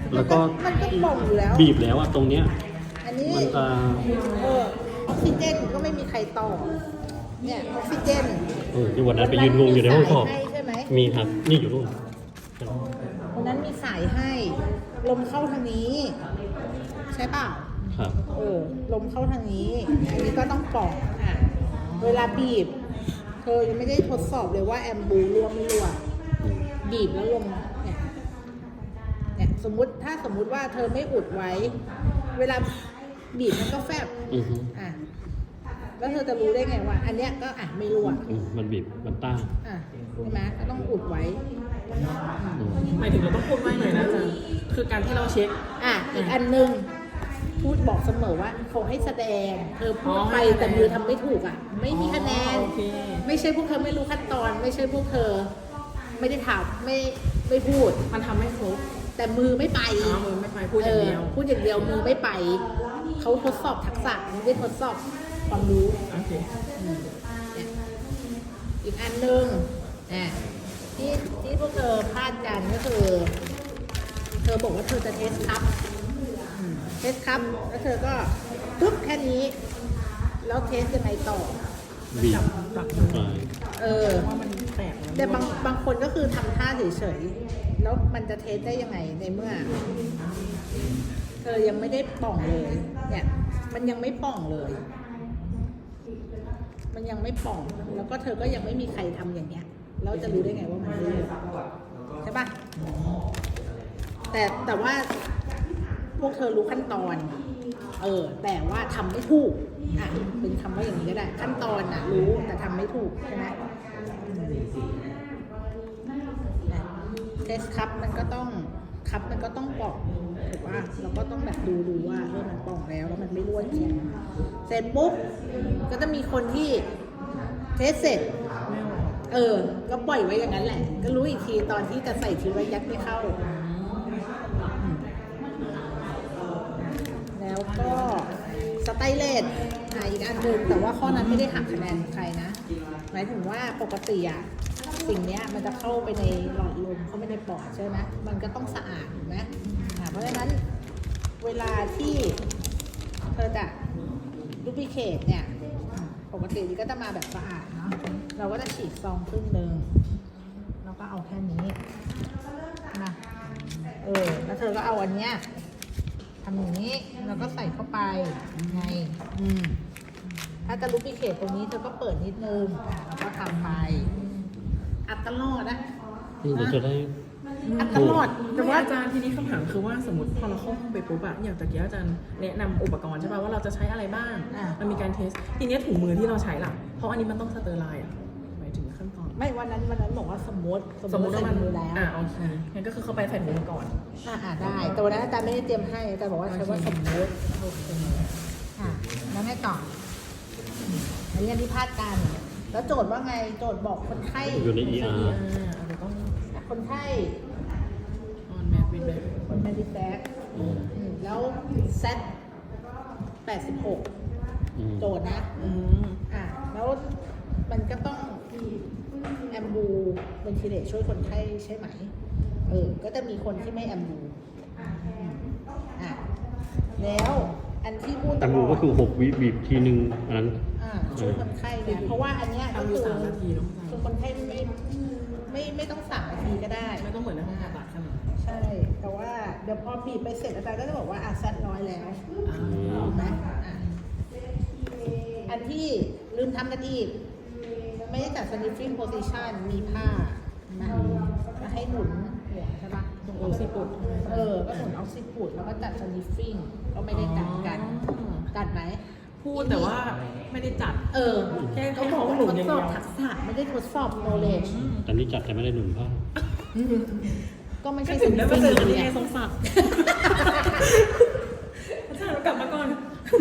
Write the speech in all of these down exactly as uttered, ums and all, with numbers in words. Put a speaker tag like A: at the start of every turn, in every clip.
A: แล้วก็
B: มันก็ป่องอยู่แล้ว
A: บีบแล้วอะตรงเนี้ย
B: อันนี้
A: มันจะ
B: เออออกซิเจนก็ไม่มีใครต่อเนี่ยออกซิเจน
A: เออที่วันนั้นไปยืนงงอยู่ในห้องสอบ
B: ใช่ไหม
A: มีครับนี่อยู่นู่น
B: วันนั้นมีสายให้ลมเข้าทางนี้ใช่เปล่า
A: ครับ
B: เออลมเข้าทางนี้อันนี้ก็ต้องป่องอ่ะเวลาบีบเธอยังไม่ได้ทดสอบเลยว่าแอมบูรั่วไม่รั่วบีบแล้วลมเนี่ยเนี่ยสมมุติถ้าสมมุติว่าเธอไม่อุดไว้เวลาบีบมันก็แฟบอ่ะแล้วเธอจะรู้ได้ไงว่าอันเนี้ยก็อ่ะไม่รั่ว
A: มันบีบมันต้าน
B: อ่ะใช่ไหมก็ต้องอุดไว้
C: หมายถึงเราต้องพูดไว้หน่อยนะอาจารย์คือการที่เราเช็ค
B: อ่ะอีกอันนึงพูดบอกเสมอว่าเขาให้แสดงเธอพูดไปแต่มือทำไม่ถูกอ่ะไม่มีคะแนนไม่ใช่พวกเธอไม่รู้ขั้นตอนไม่ใช่พวกเธอไม่ได้ถามไม่ไม่พูด
C: มันทำไม่ครบ
B: แต่มือไม่ไป
C: มือไม่ไปพูดอย่างเดียว
B: พูดอย่างเดียวมือไม่ไปเขาทดสอบทักษะไม่ได้ทดสอบความรู้
C: โอเค
B: อีกอันหนึ่งอ่ะที่ที่พวกเธอพลาดกันก็คือเธอบอกว่าเธอจะเทสครับเทสครับแล้วเธอก็ปุ๊บแค่นี้แล้วเทสยังไงต่อ
A: บีบ
B: เออแต่บางบางคนก็คือทำท่าเฉยๆแล้วมันจะเทสได้ยังไงในเมื่อเธอยังไม่ได้ป่องเลยเนี่ยมันยังไม่ป่องเลยมันยังไม่ป่องแล้วก็เธอก็ยังไม่มีใครทำอย่างเงี้ยแล้วจะรู้ได้ไงว่ามันไม่ได้ใช่ปะแต่แต่ว่าพวกเธอรู้ขั้นตอนเออแต่ว่าทำไม่ถูกอ่ะเป็นคำว่าอย่างนี้ก็ได้ขั้นตอนน่ะรู้แต่ทำไม่ถูกใช่ไหมเทสครับมันก็ต้องครับมันก็ต้องป่องถูกป่ะเราก็ต้องแบบดูดูว่าเออมันป่องแล้วแล้วมันไม่รั่วจริงเสร็จปุ๊บก็จะมีคนที่เทสเสร็จเออก็ปล่อยไว้อย่างนั้นแหละก็รู้อีกทีตอนที่จะใส่ทีว่ายัดไม่เข้าแล้วก็สไตเลสอ่ะอีกอันหนึ่งแต่ว่าข้อนั้นไม่ได้หักคะแนนใครนะหมายถึงว่าปกติอะสิ่งนี้มันจะเข้าไปในหลอดลมเข้าไปในปอดใช่ไหมมันก็ต้องสะอาดถูกไหมเพราะฉะนั้นเวลาที่เธอจะดูพิเคทเนี่ยปกติก็จะมาแบบสะอาดเนาะเราก็จะฉีดซองครึ่งหนึ่งแล้วก็เอาแค่นี้นะเออแล้วเธอก็เอาอันเนี้ยทำอย่างนี้แล้วก็ใส่เข้าไปไงอืมถ้าจะรูปพิเคทตรงนี้เธอก็เปิดนิดนึงแล้วก็ทำไปอัดตลอดนะ
A: เราจะได้
B: อัดตลอด
C: แต่ว่าอาจารย์ทีนี้คำถามคือว่าสมมติพอเราเข้าห้องไปปุ๊บอะอย่างตะกี้อาจารย์แนะนำอุปกรณ์ใช่ป่ะว่าเราจะใช้อะไรบ้างมันมีการเทสทีนี้ถุงมือที่เราใช้ล่ะเพราะอันนี้มันต้องสเตอร์ไลน์อะหมายถึงขั้นตอน
B: ไม่วันนั้นวันนั้นบอกว่าสมมติ
C: สมมติว่ามัน
B: มือแล้ว
C: อ่าโอเคงั้นก็คือเข้าไปใส่ถุงมือก่อน
B: อ่าอ่าได้แต่วันนั้นอาจารย์ไม่ได้เตรียมให้อาจารย์บอกว่าใช้ว่าสมมติโอเคอ่าแล้วไงต่ออันนี้อันที่พลาดกันแล้วโจทย์ว่าไงโจทย์บอกคนไข้
A: อยู่ใน อี อาร์
B: คนไข้
C: ออนแมทวิดแบ็ก
B: คนแมทวิดแบ็กแล้วเซตแปดสิบหกโจทย์นะอ่าแล้วมันก็ต้องแอมบูเวนทิเลตช่วยคนไข้ใช่ไหมเออก็จะมีคนที่ไม่แอมบูอ่าแล้วอันที่พูด
A: แอมบูก็คือหกวิบีบทีนึงอันนั้น
B: อ่าช่วยคนไข้เนี่ยเพราะว่าอันเนี้ยก็คือคือคนไข้ไม่ไม่ไม่ต้องสามนาทีก็ได้
C: ไม่ต้องเหมือนในห้องผ่าตัดใช่ไหม
B: ใช่แต่ว่าเดี๋ยวพอบีบไปเสร็จอาจารย์ก็จะบอกว่าอ่ะซัดน้อยแล้วถูกไหมอ่ะอันที่ลืมทำกันอีกไม่ได้จัด sniffing position มีผ้านะมาให้หนุนหัวใช่ปะ
C: ตรงออกซิปุด
B: เออก็หนุนออกซิปุดแล้วก็จัด sniffing ก็ไม่ได้จัดกันจัดไหม
C: พูดแต่ว่าไม่ได้จัด
B: เออ
C: แค่
B: เขาบอกว่าทดสอบทักษะไม่ได้ทดสอบ knowledge
A: ตอนนี้จัดแต่ไม่ได้หนุนผ้า
B: ก็ไม่ใช่
C: ถึงได้มาเจอกันยังไงสงสารอาจารย์กลับมาก่อน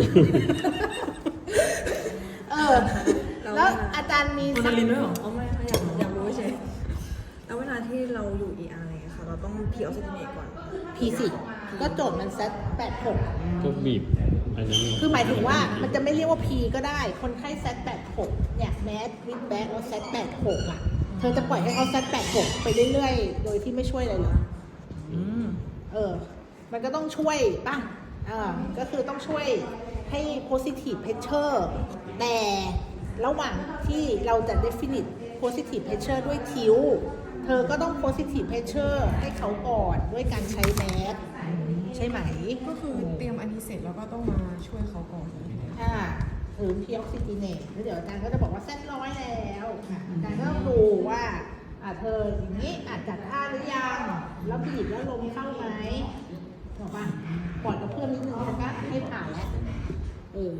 B: เออแล้วอาจารย์มี
C: สักลินด้วยหรอ
D: อ๋อไม่อยากอยากรู้ใช่แล้วเวลาที่เราอยู่ อี อาร์ อะไรค่ะเราต้องพีออกซิเจเนตก่อน
B: พี สิ ก็โจทย์มันเซตแปดหก
A: ก็บีบอันนั้น
B: คือหมายถึงว่ามันจะไม่เรียกว่า P ก็ได้คนไข้เซตแปดหกเนี่ยแมสวิดแบ็กแล้วเซตแปดหกอ่ะเธอจะปล่อยให้เขาเซตแปดหกไปเรื่อยๆโดยที่ไม่ช่วยอะไรเลยเออมันก็ต้องช่วยป่ะอ่าก็คือต้องช่วยให้ positive pressure แต่ระหว่างที่เราจะ definite positive pressure ด้วยทิวเธอก็ต้อง positive pressure ให้เขาก่อนด้วยการใช้แมสใช่ไหม
D: ก็คือเตรียมอันนี้เสร็จแล้วก็ต้องมาช่วยเขาก่อน
B: อ่าหรือพีออกซิจีเนตแล้วเดี๋ยวอาจารย์ก็จะบอกว่าเส้นร้อยแล้วอาจารย์ก็ต้องดูว่าอ่าเธออย่างนี้อาจจัดท่าหรือยังแล้วบีบแล้วลมเข้าไหมบอกป่ะปล่อยกับเพื่อนนิดนึงฉันก็ให้ผ่านแล้วเออ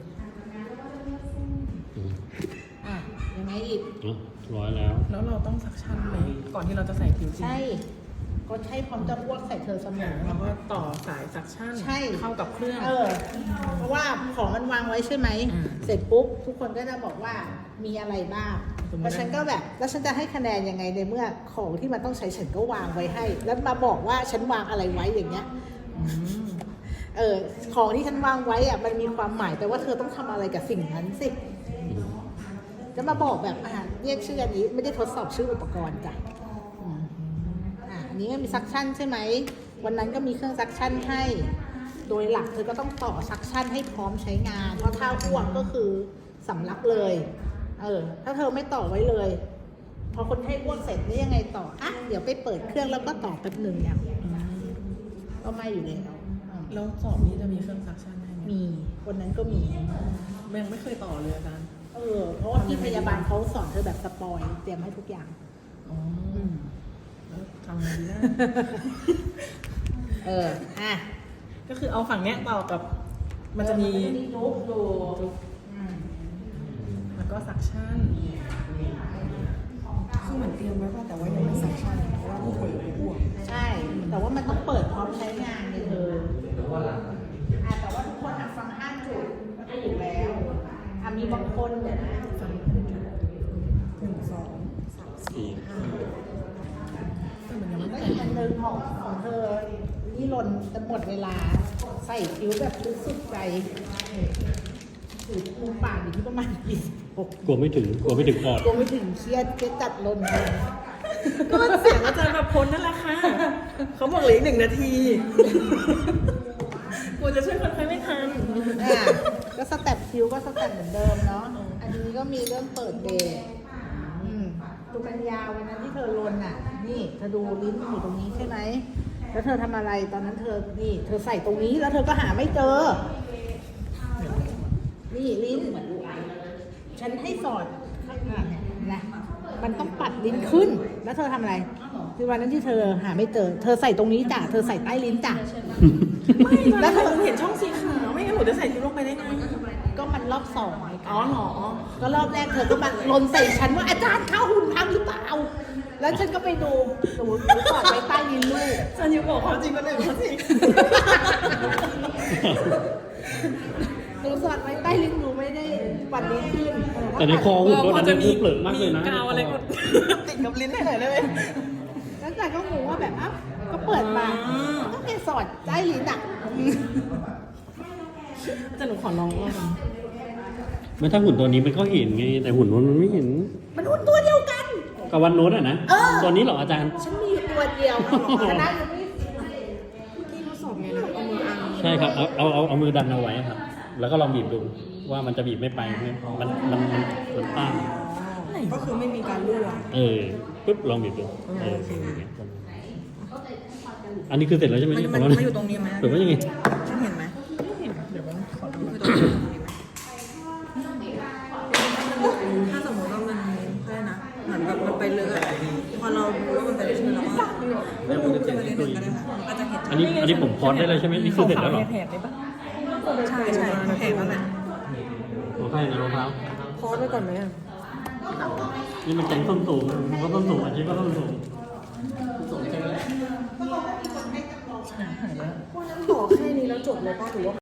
A: อืม
B: อ่ะยังไงอีก
A: เนาะร้อยแล้ว
C: แล้วเราต้องซักชั่นไหมก่อนที่เราจะใส่ผิวจริง
B: ใช่ก็ใช่พร้อมจะอ้วกใส่เธอเสมอ
C: เราก็ต่อสายซักชั่น
B: ใช่
C: เข้ากับเครื่อง
B: เออ เพราะว่าของมันวางไว้ใช่ไหม
C: อืม
B: เสร็จปุ๊บทุกคนก็จะบอกว่ามีอะไรบ้าง
C: สมมุติ
B: แล้วฉันก็แบบ แล้วฉันจะให้คะแนนยังไงในเมื่อของที่มันต้องใช้ฉันก็วางไว้ให้ แล้วมาบอกว่าฉันวางอะไรไว้อย่างเงี้ย
C: อืม
B: เออ ของที่ฉันวางไว้อะมันมีความหมายแต่ว่าเธอต้องทำอะไรกับสิ่งนั้นสิ จะมาบอกแบบอ่าเรียกชื่ออันนี้ไม่ได้ทดสอบชื่ออุปกรณ์จ้ะอืมอ่าอันนี้ไม่มีซักชั่นใช่ไหม วันนั้นก็มีเครื่องซักชั่นให้ โดยหลักเธอก็ต้องต่อซักชั่นให้พร้อมใช้งาน เพราะถ้าอ้วกก็คือสำลักเลย เออ ถ้าเธอไม่ต่อไว้เลย พอคนไข้อ้วกเสร็จนี่ยังไงต่อ อ่ะ เดี๋ยวไปเปิดเครื่องแล้วก็ต่อแป๊บหนึ่งอย่างก็ไม่อยู่แล้วอืม
C: แล้วสอบนี้จะมีเครื่องซักชั่นให้ไหม
B: มีวันนั้นก็มี
C: ยังไม่เคยต่อเลยอาจารย์
B: เออ เพราะว่าพี่พยาบาลเขาสอนเธอแบบสปอยเตรียมให้ทุกอย่าง
C: อ๋อแล้วทำไงดีนะ
B: เออ อ่ะ
C: ก็คือเอาฝั่งเนี้ยต่อกับ มันจะมี
B: จุ๊บดูอืม
C: แล้วก็ซักชั่น
D: คือเหมือนเตรียมไว้ป่ะแต่ว่ายังไม่ซักชั่นเพราะว่าผู้ป่วยอยู่อ้วก
B: ใช่ แต่ว่ามันต้องเปิดพร้อมใช้งานเลยเธออ่ะแต่ว่าทุกคนอ่ะฟังห้าจุดก็ถูกแล้วอ่ะมีบางคนเดี๋ยวนะ
D: หนึ่งสองสามสี่ห้า
C: แต่มันยังไม่
B: แล้ว
C: แต่
B: อีกอันหนึ่งของของเธอ นี่หล่นจะหมดเวลา ใส่คิ้วแบบชุดสุดใจถือมุมปากอยู่ที่ประมาณยี่สิบหก
A: กลัวไม่ถึง กลัวไม่ถึงปอด
B: กลัวไม่ถึงเครียดเครียดจัดลนเลย
C: ก็มันเสียงอาจารย์ประพลนั่นแหละค่ะ เขาบอกเหลืออีกหนึ่งนาทีกูจะช่วยคนไข้ไม่ทัน
B: อ่ะก็สแต็ปคิวก็สแต็ปเหมือนเดิมเนาะ อันนี้ก็มีเรื่องเปิดเบรกอืมตุกัญญาวันนั้นที่เธอลนอ่ะ นี่เธอดูลิ้นมันอยู่ตรงนี้ใช่ไหม แล้วเธอทำอะไรตอนนั้นเธอ นี่ เธอใส่ตรงนี้แล้วเธอก็หาไม่เจอ นี่ลิ้น ฉันให้สอดข้างหน้าเนี่ยนะ มันต้องปัดลิ้นขึ้น แล้วเธอทำอะไร คือวันนั้นที่เธอหาไม่เจอ เธอใส่ตรงนี้จ้ะ เธอใส่ใต้ลิ้นจ้ะ
C: ไม่แล้วเธอเห็นช่องสีขาวไม่งั้นหนูจะใส่ทิปลงไปได้ไง
B: ก็มันรอบสองไง
C: อ๋อเหรอ
B: ก็รอบแรกเธอก็มาลนใส่ฉันว่าอาจารย์ข้าวหุ่นพังหรือเปล่า แล้วฉันก็ไปดูหนูหนูสอดไว้ใต้ลิ้นลูก
C: อาจารย์ยูบอกความจริงมาเลยเขาสิ
B: หนูสอดไว้ใต้ลิ้นหนูไม่ได้ปัดลิ้นขึ้น
A: แต่ในคอหุ่นก็นั้นเนี่ยเปลือกมากเลยนะ
C: กาวอะไรก็ติดกับลิ้นให้หน่อยได้ไหม
B: แล้วแต่ก็งงว่าแบบอ้าวก็เปิดมา
C: อืม
B: ก็แค่สอดใต้ลิ้นอ่ะ
C: อาจารย์หนูขอลองว่ากัน
A: ไม่ถ้าหุ่นตัวนี้มันก็เห็นไง แต่หุ่นนู้นมันไม่เห็น
B: มันหุ่นตัวเดียวกัน
A: กับวันโน้นอ่ะนะ
B: เออ
A: ตัวนี้เหรออาจารย์
B: ฉันมีอยู่ตัวเดียวคณะยังไม่
D: ที่ทดสอบไงนะเอามืออัง
A: ใช่ครับ เอาเอาเอาเอามือดันเอาไว้ครับ แล้วก็ลองบีบดูว่ามันจะบีบไม่ไปไหมมันมันมันมันต้าน
D: ก็คือไม่มีการรั่ว
A: เออปุ๊บลองบีบดูเอออย่างเงี้ยอันนี้คือเสร็จแล้วใช่ไหม
D: มัน
A: เนี่ย
D: มัน
A: ของเรา
D: มันอยู่ตรงนี้ไหม
A: หรือว่ายังไง
D: ฉันเห็นไหม
C: เดี๋ยวมันขอดู
D: คือตรงนี้ตรงนี้ไหมถ้าสมมติว่ามันอะไรนะเหมือนแบบมันไปเลยอะพอเรารู้ว่ามันไปเลยใช่ไหมเราก็ไม่รู้จะไปเล่นหนึ่งก็ได้ค่ะมันก็จะเห็น
A: อันนี้อันนี้ผมพอดได้เลยใช่ไหมนี่คือเสร็จแล้วเหรอ
C: แผลได้ปะ
D: ใช่ใช่เห็นแล้วแหละ
A: โอเคนะรองเท้า
D: โพสไว้ก่อนไหมอะ
A: นี่มันแกงส้นสูงมันก็ส้นสูงอาชีพก็ส้นสูงสูงใช่ไหม
D: ต่อแค่นี้แล้วจบเลยป่ะหรือว่า